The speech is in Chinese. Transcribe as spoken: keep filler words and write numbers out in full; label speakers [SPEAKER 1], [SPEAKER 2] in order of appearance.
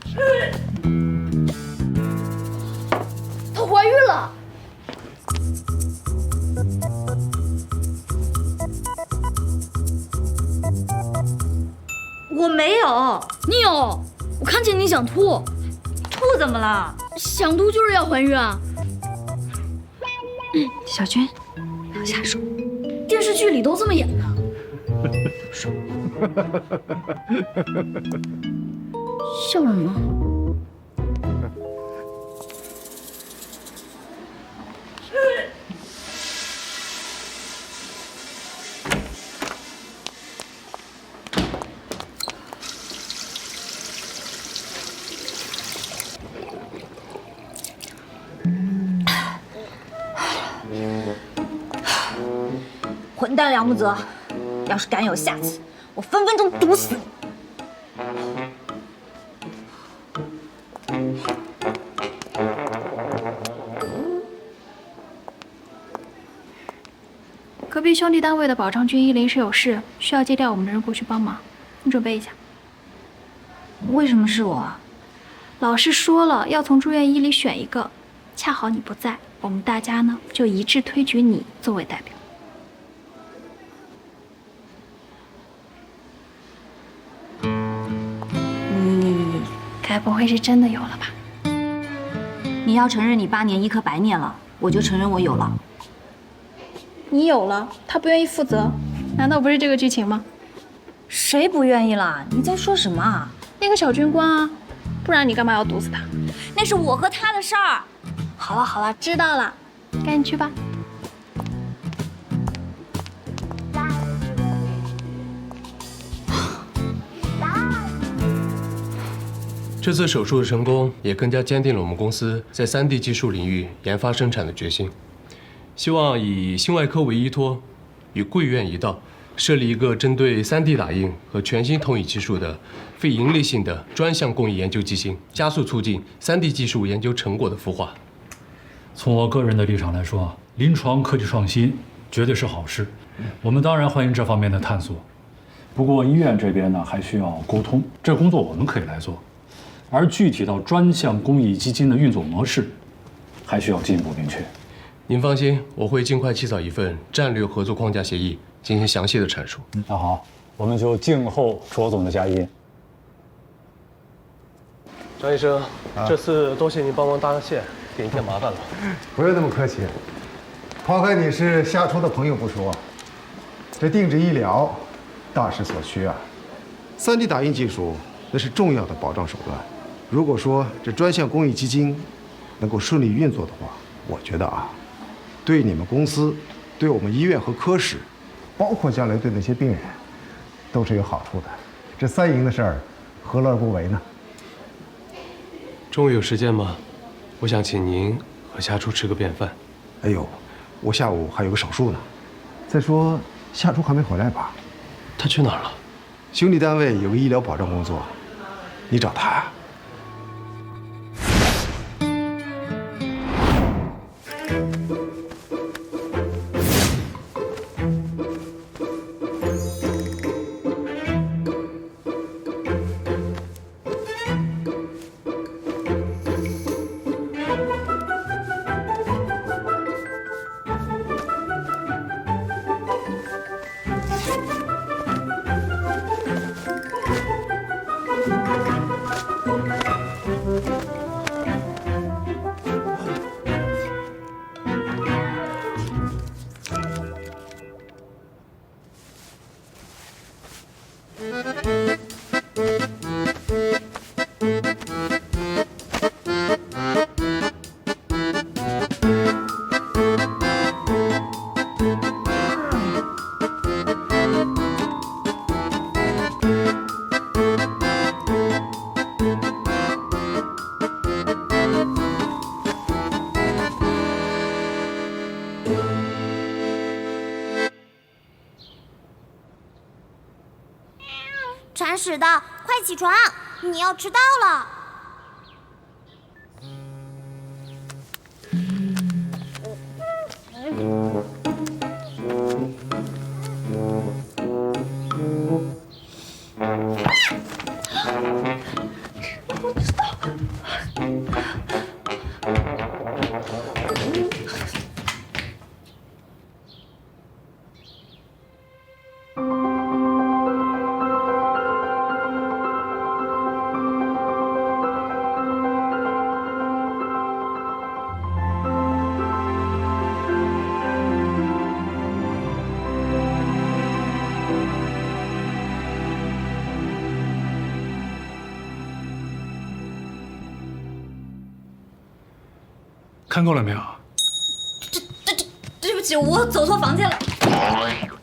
[SPEAKER 1] 她怀孕了。
[SPEAKER 2] 我没有，
[SPEAKER 1] 你有，我看见你想吐。
[SPEAKER 2] 吐怎么了？
[SPEAKER 1] 想吐就是要怀孕啊。
[SPEAKER 2] 嗯，小军，不要瞎说。
[SPEAKER 1] 电视剧里都这么演的。笑什么？
[SPEAKER 2] 混蛋梁木泽，要是敢有下次，我分分钟毒死你！
[SPEAKER 3] 隔壁兄弟单位的保障军医临时有事，需要借调我们的人过去帮忙，你准备一下。
[SPEAKER 2] 为什么是我啊？
[SPEAKER 3] 老师说了，要从住院医里选一个，恰好你不在，我们大家呢就一致推举你作为代表。
[SPEAKER 2] 你
[SPEAKER 3] 该不会是真的有了吧？
[SPEAKER 2] 你要承认你八年医科白念了，我就承认我有了。
[SPEAKER 3] 你有了，他不愿意负责，难道不是这个剧情吗？
[SPEAKER 2] 谁不愿意啦？你在说什么啊？
[SPEAKER 3] 那个小军官啊，不然你干嘛要毒死他？
[SPEAKER 2] 那是我和他的事儿。
[SPEAKER 3] 好了好了，知道了，赶紧去吧。
[SPEAKER 4] 这次手术的成功，也更加坚定了我们公司在 三 D 技术领域研发生产的决心。希望以心外科为依托，与贵院一道，设立一个针对 三 D 打印和全新投影技术的非营利性的专项公益研究基金，加速促进 三 D 技术研究成果的孵化。
[SPEAKER 5] 从我个人的立场来说，临床科技创新绝对是好事，我们当然欢迎这方面的探索。不过医院这边呢，还需要沟通，这工作我们可以来做，而具体到专项公益基金的运作模式，还需要进一步明确。
[SPEAKER 4] 您放心，我会尽快起草一份战略合作框架协议，进行详细的阐述。
[SPEAKER 5] 那好，我们就静候卓总的佳音。
[SPEAKER 4] 张医生，这次多谢您帮忙搭个线，给您添麻烦了。
[SPEAKER 6] 不用那么客气，抛开你是夏初的朋友不说，这定制医疗大势所趋啊。三 D 打印技术那是重要的保障手段。如果说这专项公益基金能够顺利运作的话，我觉得啊，对你们公司、对我们医院和科室，包括将来对那些病人，都是有好处的。这三赢的事儿，何乐而不为呢？
[SPEAKER 4] 中午有时间吗？我想请您和夏初吃个便饭。
[SPEAKER 6] 哎呦，我下午还有个手术呢。再说夏初还没回来吧？
[SPEAKER 4] 他去哪儿了？
[SPEAKER 6] 兄弟单位有个医疗保障工作，你找他呀？
[SPEAKER 7] 铲屎的，快起床！你要迟到了。我知道。
[SPEAKER 5] 看够了没有？
[SPEAKER 2] 对不起，我走错房间了。